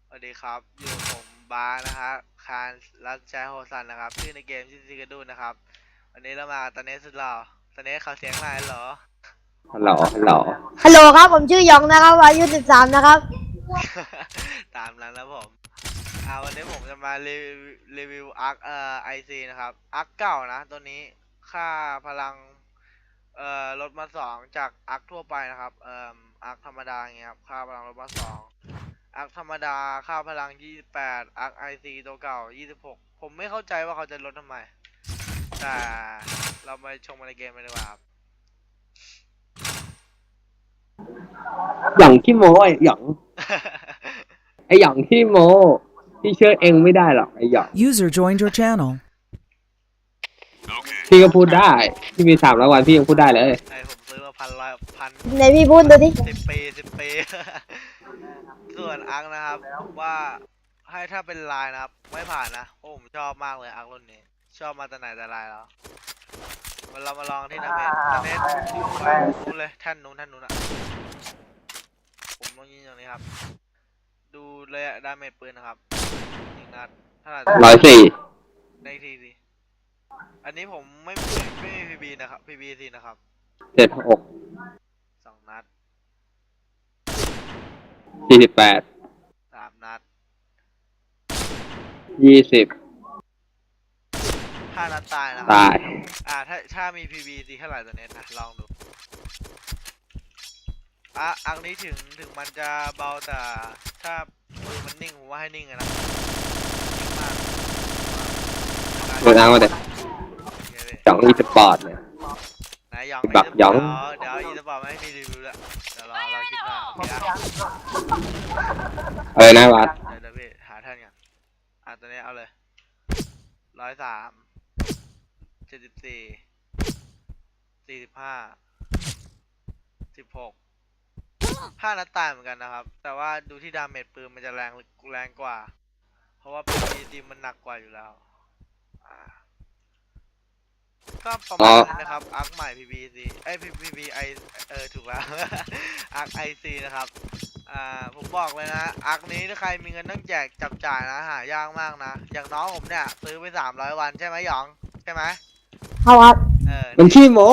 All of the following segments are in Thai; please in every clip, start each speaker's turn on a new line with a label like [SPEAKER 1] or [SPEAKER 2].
[SPEAKER 1] สวัสดีครับอยู่ผมบาร์นะครับคารรัชชัยโฮซันนะครับชื่อในเกมชื่อซิกาดูนะครับวันนี้เรามาตอนนี้สุดหล่อตอนนี้เขาเสียงอะไรเหรอ
[SPEAKER 2] ฮัลโหลฮัลโหล
[SPEAKER 3] ฮัลโหลครับผมชื่อยองนะครับอายุ13นะครับ
[SPEAKER 1] ตามนั้นแล้วผมวันนี้ผมจะมารีวิวอาร์คไอซีนะครับอาร์คเก่านะตัวนี้ค่าพลังลดมา2จากอาร์คทั่วไปนะครับอาร์คธรรมดาอย่างเงี้ยครับค่าพลังลดมา2อาร์คธรรมดาค่าพลัง28อาร์คไอซีตัวเก่า26ผมไม่เข้าใจว่าเขาจะลดทำไมแต่เรามาชมในเกมกันดีกว่าครับ
[SPEAKER 2] หย่องขี้โม้ไอ้หย่องไอ้หย่องขี้โม้พี่เชื่อเองไม่ได้หรอกไอ้หย่อง
[SPEAKER 4] User joined your channel.
[SPEAKER 2] พี่ก็พูดได้พี่มี300 วันพี่ยังพูดได้เลย
[SPEAKER 1] ไอผมซื้อมาพัน
[SPEAKER 3] ไหนพี่พูดดูดิ
[SPEAKER 1] 10 ปีส่วนอาร์คนะครับว่าให้ถ้าเป็นลายนะครับไม่ผ่านนะโอ้ผมชอบมากเลยอาร์ครุ่นนี้ชอบมาแต่ไหนแต่ไรแล้วเรามาลองที่ดาเมจไปนู้นเลยแท่นนู้นอ่ะผมต้องยิงอย่างนี้ครับดูเลยดาเมจปืนนะครับยิงนัดเท่าไหร่
[SPEAKER 2] 104
[SPEAKER 1] ในทีสิอันนี้ผมไม่มีพีบีนะครับพีบีสินะครับ
[SPEAKER 2] 76
[SPEAKER 1] 2 นัด
[SPEAKER 2] 48
[SPEAKER 1] 3 นัด
[SPEAKER 2] 20
[SPEAKER 1] 5 นัดตายนะครั
[SPEAKER 2] ตาย
[SPEAKER 1] ถ้ามี PVC เท่าไหร่ตัวเนี้ยนะลองดูอันนี้ถึงมันจะเบาแต่ถ้ามือมันนิ่งผมว่าให้นิ่งอะนะนิ่งมาก
[SPEAKER 2] โดนอ้างมาเด็ดหย่องอีสปอร์ตเนี่ย
[SPEAKER 1] ไหนหยอง
[SPEAKER 2] บักหยอง
[SPEAKER 1] เดี๋ยวอีสปอร์ตไม่ให้มีรีวิวแล้วเดี๋ยวเราคิดว่าโอเคอะ
[SPEAKER 2] อะไรนะวัด
[SPEAKER 1] เดี๋ยวพี่หาแท่นกันตัวนี้เอาเลย103 74 45 16 5 นัดตายเหมือนกันนะครับแต่ว่าดูที่ดาเมจปืนมันจะแรงกว่าเพราะว่า PVC มันหนักกว่าอยู่แล้วก็ประมาณนั้นนะครับอาร์คใหม่ PVC PVI ถูกแล้ว อาร์ค IC นะครับผมบอกเลยนะอาร์คนี้ถ้าใครมีเงินต้องแจกจับจ่ายนะหายากมากนะอย่างน้องผมเนี่ยซื้อไป300 วันใช่ไหมหยองใช่ไหม
[SPEAKER 3] ครับ
[SPEAKER 2] มันขี้โม้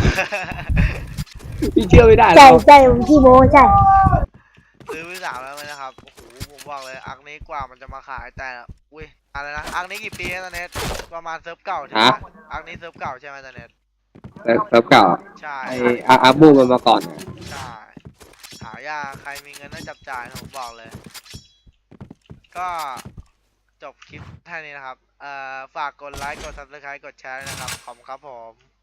[SPEAKER 2] พี่เชื่อไม่ได้หร
[SPEAKER 3] ใช่
[SPEAKER 2] อก
[SPEAKER 3] ใช่ผมขี้โม้ใช่
[SPEAKER 1] ซื้อไป300วันนะครับโอ้โหผมบอกเลยอาร์คนี้กว่ามันจะมาขายแต่อุ้ยอะไรนะอาร์คนี้กี่ปีแล้วตอนนี้ประมาณเซิร์ฟเก่าใช่ไหมอาร์คนี้เซิร์ฟเก่าใช่ไหมตอนนี้
[SPEAKER 2] เซิร์ฟเก่า
[SPEAKER 1] ใช่
[SPEAKER 2] ไอ้อาบูมันมาก่อนเนี่ย
[SPEAKER 1] ใช่หายากใครมีเงินต้องจับจ่ายนะผมบอกเลย ก็จบคลิปแค่นี้นะครับฝากกดไลค์กด subscribe กดแชร์ด้วยนะครับขอบคุณครับผม